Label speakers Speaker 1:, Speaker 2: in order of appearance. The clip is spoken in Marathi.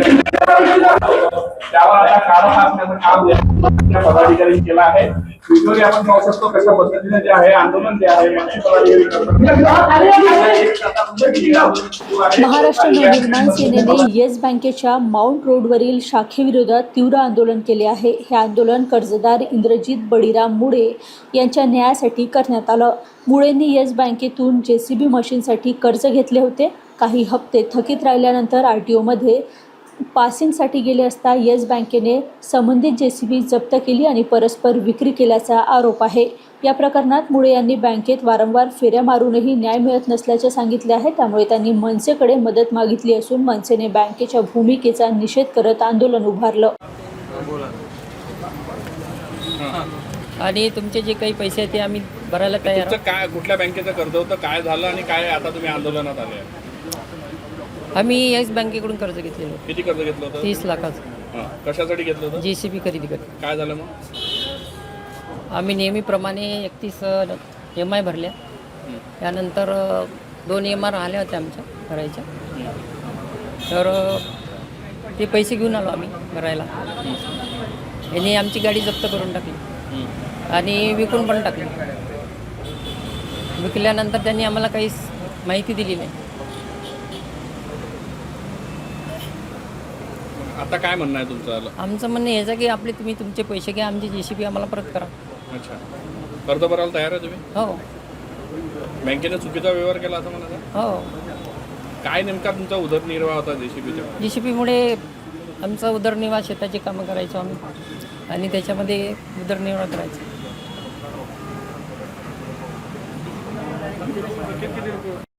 Speaker 1: त्यावर आता कारण असण्याचं काम त्या पदाधिकाऱ्यांनी केलं आहे. व्हिडिओ आपण पाहू शकतो कशा पद्धतीने जे आहे आंदोलन जे आहे
Speaker 2: महाराष्ट्र नवनिर्माण सेनेने येस बँकेच्या माउंट रोडवरील शाखेविरोधात तीव्र आंदोलन केले आहे. हे आंदोलन कर्जदार इंद्रजित बळीराम मुळे यांच्या न्यायासाठी करण्यात आलं. मुळेंनी येस बँकेतून JCB मशीनसाठी कर्ज घेतले होते. काही हप्ते थकीत राहिल्यानंतर RTOमध्ये पासिंगसाठी गेले असता येस बँकेने संबंधित JCB जप्त केली आणि परस्पर विक्री केल्याचा आरोप आहे. या प्रकरणात मुळे यांनी बँकेत वारंवार फेऱ्या मारूनही न्याय मिळत नसल्याचे सांगितले आहे. त्यामुळे त्यांनी मनसेकडे मदत मागितली असून मनसेने बँकेच्या भूमिकेचा निषेध करत आंदोलन उभारलं.
Speaker 3: आणि तुमचे जे काही पैसे आहेत ते आम्ही भरायला तयार आहोत.
Speaker 1: काय कुठल्या बँकेचं कर्ज होतं, काय झालं आणि काय आता तुम्ही आंदोलनात आले?
Speaker 3: आम्ही येस बँकेकडून कर्ज घेतलेलं.
Speaker 1: किती कर्ज घेतलं होतं?
Speaker 3: 30 लाखाचं.
Speaker 1: कशासाठी घेतलं होतं?
Speaker 3: JCB खरेदी करतो.
Speaker 1: काय झालं मग?
Speaker 3: आम्ही नेहमीप्रमाणे 31 EMI भरल्या. त्यानंतर 2 EMI राहिल्या होत्या आमच्या भरायच्या. तर ते पैसे घेऊन आलो आम्ही भरायला. यांनी आमची गाडी जप्त करून टाकली आणि विकून पण टाकली. विकल्यानंतर त्यांनी आम्हाला काहीच माहिती दिली नाही.
Speaker 1: आता काय म्हणणं आहे तुमचं?
Speaker 3: आमचं म्हणणं याचं की तुम्ही तुमचे पैसे घ्या, आमची JCB आम्हाला परत करा.
Speaker 1: अच्छा, कर्ज भरायला तयार आहे तुम्ही?
Speaker 3: हो.
Speaker 1: बँकेने चुकीचा व्यवहार केला असं म्हणायचं?
Speaker 3: हो.
Speaker 1: काय नेमका तुमचा उदरनिर्वाह होता
Speaker 3: JCBमुळे आमचा उदरनिर्वाह, शेताची कामं करायचो आम्ही आणि त्याच्यामध्ये उदरनिर्वाह करायचा.